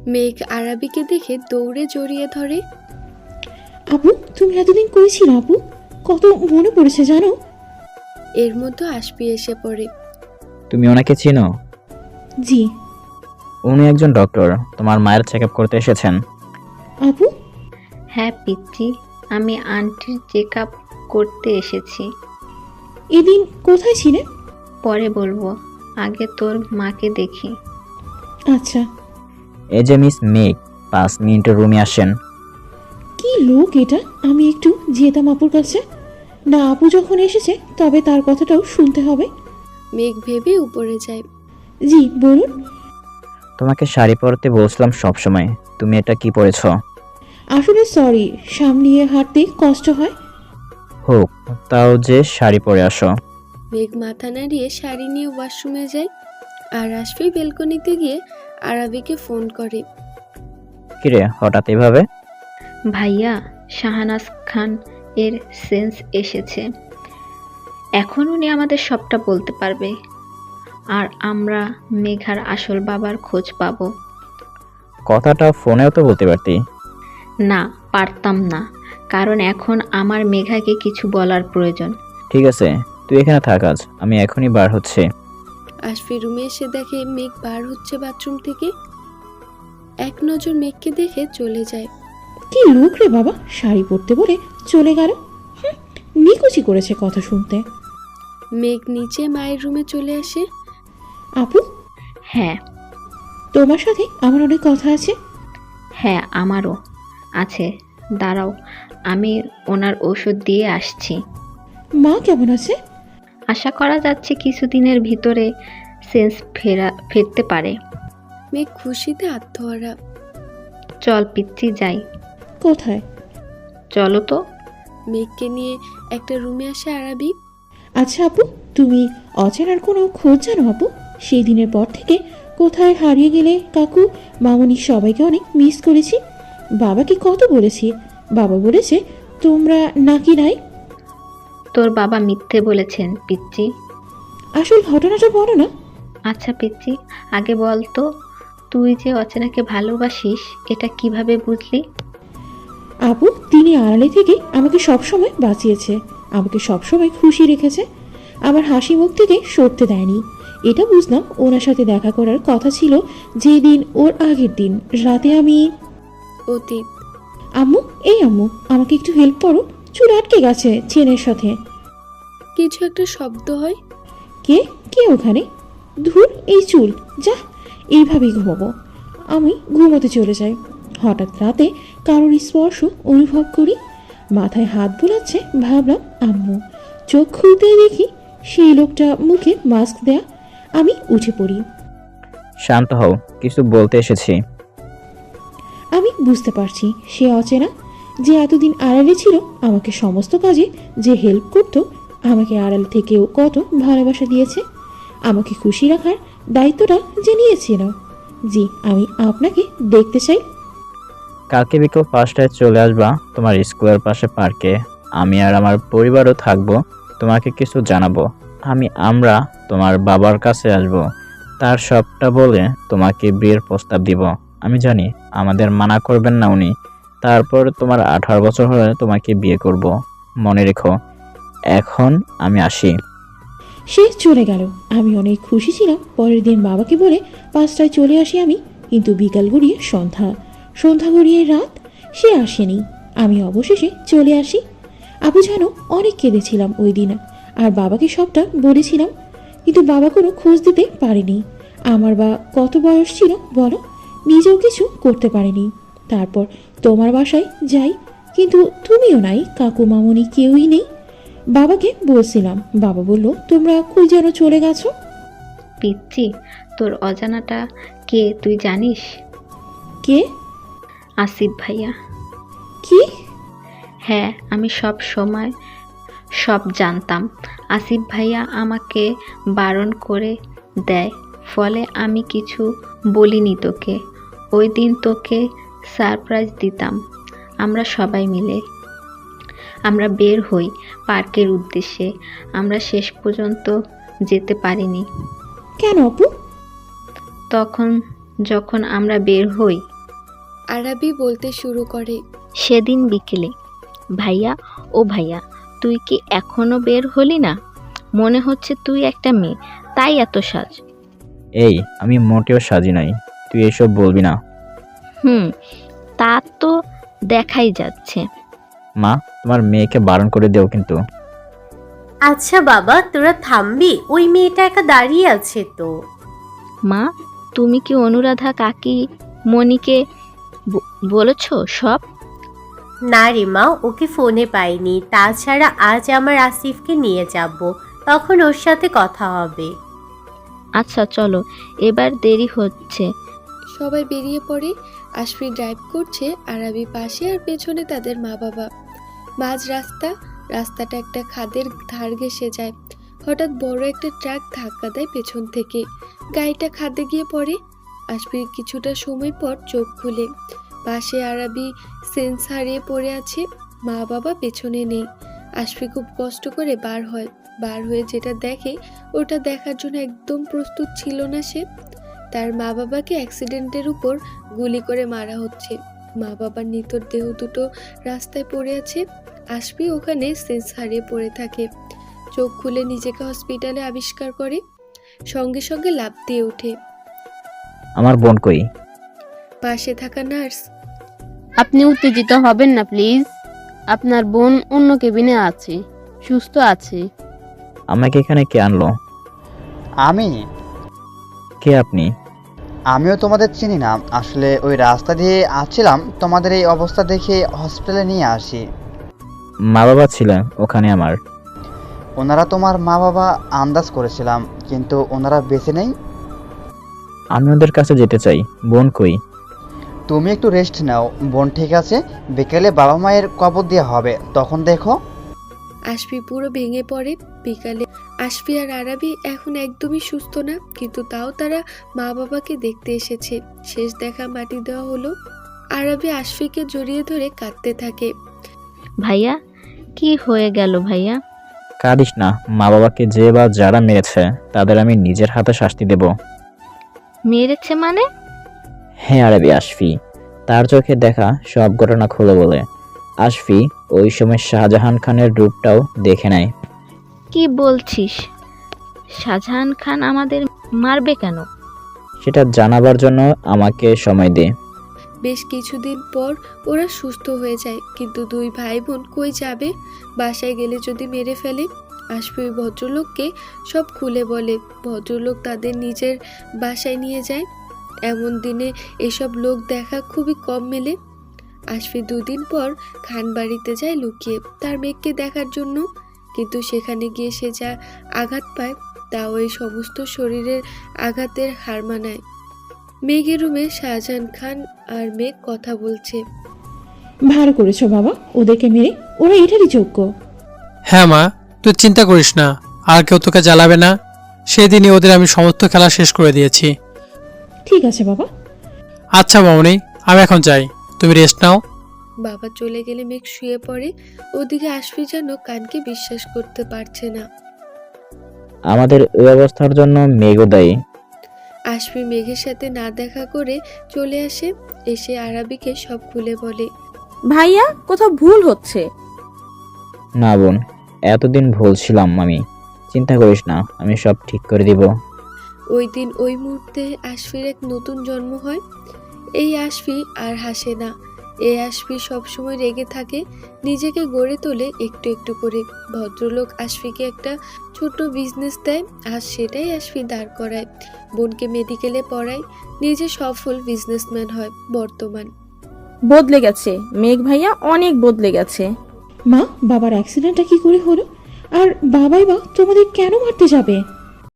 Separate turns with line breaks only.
মেঘ আরাবিকে দেখে দৌড়ে জড়িয়ে ধরে।
আপু, তুমি এতদিন করেছিলে আপু, কত মনে পড়েছে জানো।
এর মধ্যে আশফি এসে পড়ে।
তুমি ওনাকে চিনো?
জি।
উনি একজন ডক্টর, তোমার মায়ের চেক আপ করতে এসেছেন।
আপু,
হ্যাঁ পিচ্চি, আমি আন্টির চেক আপ করতে এসেছি।
এদিন কোথায় ছিলে?
পরে বলবো, আগে তোর মাকে দেখি।
আচ্ছা।
এই যে মিস মেঘ, 5 মিনিটের রুমে আসেন।
কি লোক এটা, আমি একটু যেতাম আপুর কাছে। না, আপু যখন এসেছে তবে তার কথাটাও শুনতে হবে।
মেঘ ভেবে উপরে যায়।
জি বলুন।
তোমাকে শাড়ি পরতে বলছিলাম সব সময়, তুমি এটা কি পরেছো?
আসলে সরি, সামলিয়ে হাঁটতে কষ্ট হয়।
হোক, তাও যে শাড়ি পরে আসো।
মেঘ মাথা নাড়িয়ে শাড়ি নিয়ে ওয়াশরুমে যায়। আর আশফি বেলকনিতে গিয়ে আরাবিকে ফোন করে।
কিরে হঠাৎ এভাবে?
ভাইয়া, শাহানাজ খান এর সেন্স এসেছে। এখন উনি আমাদের সবটা বলতে পারবে, আর আমরা মেঘার আসল বাবার খোঁজ পাবো।
কথাটা ফোনেও তো বলতে পারতি।
না, পারতাম না, কারণ এখন আমার মেঘাকে কিছু বলার প্রয়োজন।
ঠিক আছে, তুই এখানে থাক, আজ আমি এখনই বার হচ্ছে।
আশফি রুমে এসে দেখে মেঘ বার হচ্ছে বাথরুম থেকে। এক নজর মেঘকে দেখে চলে যায়।
কি লোক রে বাবা, শাড়ি পরতে বলে চলে গেল। নিকুচি করেছে কথা শুনতে।
মেঘ নিচে মায়ের রুমে চলে আসে।
আপু,
হ্যাঁ।
তোমার সাথে আমার অনেক কথা আছে।
হ্যাঁ, আমারও আছে, দাঁড়াও, আমি ওনার ওষুধ দিয়ে আসছি।
মা কেমন আছে?
আশা করা যাচ্ছে কিছুদিনের ভিতরে সেন্স ফিরতে পারে।
মেঘ খুশিতে আত্মহারা।
চল পিচ্চি যাই।
কোথায়?
চলো তো।
মেঘকে নিয়ে একটা রুমে আসে আরাবি।
আচ্ছা আপু, তুমি অচেনার কোনো খোঁজ জানো আপু? সেই দিনের পর থেকে কোথায় হারিয়ে গেলে কাকু, মামনি সবাইকে অনেক মিস করেছি। বাবাকে কত বলেছি, বাবা বলেছে তোমরা নাকি নাই।
তোর বাবা মিথ্যে বলেছেন পিচ্চি।
আসল ঘটনাটা বলো না।
আচ্ছা পিচ্চি, আগে বল তো, তুই যে অচেনাকে ভালোবাসিস এটা কিভাবে বুঝলি?
আপু, তিনি আড়ালে থেকে আমাকে সবসময় বাঁচিয়েছে, আমাকে সবসময় খুশি রেখেছে, আমার হাসি মুখ থেকে সরতে দেয়নি। এটা বুঝলাম ওনার সাথে দেখা করার কথা ছিল যেদিন, ওর আগের দিন রাতে আমি।
অতীত।
আম্মু, এই আম্মু, আমাকে একটু হেল্প করো, চুল আটকে গেছে চেনের সাথে।
কিছু একটা শব্দ হয়।
কে কে ওখানে? ধুর, এই চুল, যা, এইভাবেই ঘুমাবো। আমি ঘুমোতে চলে যাই। হঠাৎ রাতে কারোর স্পর্শ অনুভব করি, মাথায় হাত বোলাচ্ছে, ভাবলাম আম্মু। চোখ খুলতেই দেখি সেই লোকটা মুখে মাস্ক দেয়া। আমি উঠে পড়ি।
শান্ত হও, কিছু বলতে এসেছি।
আমি বুঝতে পারছি সে অচেনা, যে এতদিন আড়ালে ছিল, আমাকে সমস্ত কাজে যে হেল্প করতো, আমাকে আড়াল থেকেও কত ভালোবাসা দিয়েছে, আমাকে খুশি রাখার দায়িত্বটা যে নিয়েছিল। জি, আমি আপনাকে দেখতে চাই।
কালকে বিকেল 5টায় চলে আসবা তোমার স্কুলের পাশে পার্কে। আমি আর আমার পরিবারও থাকবো, তোমাকে কিছু জানাবো। আমরা তোমার বাবার কাছে আসব, তার সবটা বলে তোমাকে বিয়ের প্রস্তাব দিব। আমি জানি আমাদের মানা করবেন না উনি। তারপর তোমার 18 বছর হলে তোমাকে বিয়ে করব। মনে রেখো। এখন আমি আসি।
সে চলে গেল। আমি অনেক খুশি ছিলাম। পরের দিন বাবাকে বলে 5টায় চলে আসি আমি, কিন্তু বিকাল গড়িয়ে সন্ধ্যা, সন্ধ্যা গড়িয়ে রাত, সে আসেনি। আমি অবশেষে চলে আসি। আপু জানো, অনেক কেঁদেছিলাম ওই দিন, আর বাবাকে সবটা বলেছিলাম, কিন্তু বাবা কোনো খোঁজ দিতে পারেনি। আমার বা কত বয়স ছিল বলো, নিজেও কিছু করতে পারেনি। তারপর তোমার বাসায় যাই, কিন্তু তুমিও নাই, কাকু মামনি কেউই নেই। বাবাকে বলছিলাম, বাবা বলল তোমরা কই যেন চলে গেছো।
পিচ্চি, তোর অজানাটা কে তুই জানিস?
কে?
আসিফ ভাইয়া।
কি?
হ্যাঁ, আমি সব সময় সব জানতাম। আসিফ ভাইয়া আমাকে বারণ করে দেয়, ফলে আমি কিছু বলিনি তোকে। ওই দিন তোকে সারপ্রাইজ দিতাম। আমরা সবাই মিলে আমরা বের হই পার্কের উদ্দেশ্যে। আমরা শেষ পর্যন্ত যেতে পারিনি।
কেন আপু?
তখন যখন আমরা বের হই
আরাবি বলতে শুরু করে।
সেদিন বিকেলে, ভাইয়া ও ভাইয়া, তুই কি এখনো বের হলি না? মনে হচ্ছে তুই একটা মেয়ে, তাই এত সাজ।
এই, আমি মোটেও সাজি নাই, তুই এসব বলবি না।
তা তো দেখাই যাচ্ছে।
মা, তোমার মেয়েকে বারণ করে দেও কিন্তু।
আচ্ছা বাবা, তোরা থামবি? ওই মেয়েটা একা দাঁড়িয়ে আছে তো।
মা, তুমি কি অনুরাধা কাকি মনিকে বলেছ সব?
না রে মা, ওকে ফোনে পাইনি। তাছাড়া আজ আমার আসিফকে নিয়ে যাব, তখন ওর সাথে কথা হবে।
আচ্ছা চলো, এবার দেরি হচ্ছে।
সবাই বেরিয়ে পড়ে। আশফি ড্রাইভ করছে, আরাবি পাশে, আর পেছনে তাদের মা বাবা। মাঝ রাস্তাটা একটা খাদের ধার ঘেঁষে যায়। হঠাৎ বড় একটা ট্রাক ধাক্কা দেয় পেছন থেকে, গাড়িটা খাদে গিয়ে পড়ে। আশফি কিছুটা সময় পর চোখ খুলে, পাশে আরাবি সেন্স হারিয়ে পড়ে আছে, মা বাবা পেছনে নেই। আশফি খুব কষ্ট করে বার হয়ে যেটা দেখে, ওটা দেখার জন্য একদম প্রস্তুত ছিল না সে। তার মা বাবাকে অ্যাক্সিডেন্টের উপর গুলি করে মারা হচ্ছে। মা বাবার নিথর দেহ দুটো রাস্তায় পড়ে আছে। আশফি ওখানে সেন্স হারিয়ে পড়ে থাকে। চোখ খুলে নিজেকে হসপিটালে আবিষ্কার করে, সঙ্গে সঙ্গে লাফ দিয়ে ওঠে।
আমার বোন কই?
পাশে থাকা নার্স।
আপনি উত্তেজিত হবেন না প্লিজ। আপনার বোন অন্য কেবিনে আছে, সুস্থ আছে।
আমাকে এখানে কে আনলো?
আমি
কে আপনি?
আমিও তোমাদের চিনি না। আসলে ওই রাস্তা দিয়ে আসছিলাম, তোমাদের এই অবস্থা দেখে হসপিটালে নিয়ে আসি।
মা বাবা ছিলেন ওখানে আমার।
ওনারা তোমার মা বাবা আন্দাজ করেছিলাম, কিন্তু ওনারা বেঁচে নেই।
আমি ওদের কাছে যেতে চাই। বোন কই?
তুমি একটু রেস্ট নাও, বোন ঠিক আছে। বিকেলে বাবা মায়ের কবর দেওয়া হবে, তখন দেখো।
আশফি পুরো ভেঙে পড়ে। বিকালে আশফি আর আরাবি এখন একদমই সুস্থ না, কিন্তু তাও তারা মা বাবাকে দেখতে এসেছে। শেষ দেখা মাটি দেওয়া হলো। আরাবি আশফিকে জড়িয়ে ধরে কাঁদতে থাকে।
ভাইয়া, কি হয়ে গেল ভাইয়া?
কাঁদিস না। মা বাবাকে যে বা যারা মেরেছে তাদের আমি নিজের হাতে শাস্তি দেব।
মেরেছে মানে?
হ্যাঁ আরবি, আশফি তার চোখে দেখা সব ঘটনা খুলে বলে। আশফি ওই সময় শাহজাহান খানের রূপটাও দেখে নেয়।
কি বলছিস? শাহজাহান খান আমাদের মারবে কেন?
সেটা জানাবার জন্য আমাকে সময় দে।
বেশ কিছুদিন পর ওরা সুস্থ হয়ে যায়, কিন্তু দুই ভাই বোন কই যাবে? বাসায় গেলে যদি মেরে ফেলে। আশফি ওই ভদ্রলোককে সব খুলে বলে। ভদ্রলোক তাদের নিজের বাসায় নিয়ে যায়। এমন দিনে এসব লোক দেখা খুবই কম মেলে। আশফি দুদিন পর খান বাড়িতে যায় লুকিয়ে তার মেয়েকে দেখার জন্য, কিন্তু সেখানে গিয়ে সে যা আঘাত পায় তা ওই সমস্ত শরীরের আঘাতের হার মানায়। মেঘের রুমে শাহজাহান খান আর মেঘ কথা বলছে।
ভালো করেছো বাবা, ওদেরকে মেরে। ওরা এটারই যোগ্য।
হ্যাঁ মা, তুই চিন্তা করিস না, আর কেউ তোকে জ্বালাবে না। সেদিনই ওদের আমি সমস্ত খেলা শেষ করে দিয়েছি।
ঠিক আছে বাবা।
আচ্ছা মামনি, আমি এখন যাই, তুমি রেস্ট নাও।
বাবা চলে গেলে মেঘ শুয়ে পড়ে। ওদিকে আশফি যেন কানকে বিশ্বাস করতে পারছে না।
আমাদের ওই অবস্থার জন্য মেঘও দায়ী।
আশফি মেঘের সাথে না দেখা করে চলে আসে। এসে আরাবিকে সব খুলে বলে।
ভাইয়া, কোথাও ভুল হচ্ছে।
না বোন, এতদিন ভুল ছিলাম আমি। চিন্তা করিস না, আমি সব ঠিক করে দিব।
ওই দিন ওই মুহূর্তে আশফির এক নতুন জন্ম হয়। এই আশফি আর হাসে না। এই আশফি সবসময় রেগে থাকে, নিজেকে গড়ে তোলে একটু একটু করে। ভদ্রলোক আশফিকে একটা ছোট বিজনেস দেয়, আর সেটাই আশফি দাঁড় করায়। বোনকে মেডিকেলে পড়ায়, নিজে সফল বিজনেসম্যান হয় বর্তমান।
বদলে গেছে মেঘ ভাইয়া, অনেক বদলে গেছে।
মা, বাবার অ্যাক্সিডেন্টটা কি করে হলো? আর বাবাই বা তোমাদের কেন মারতে যাবে?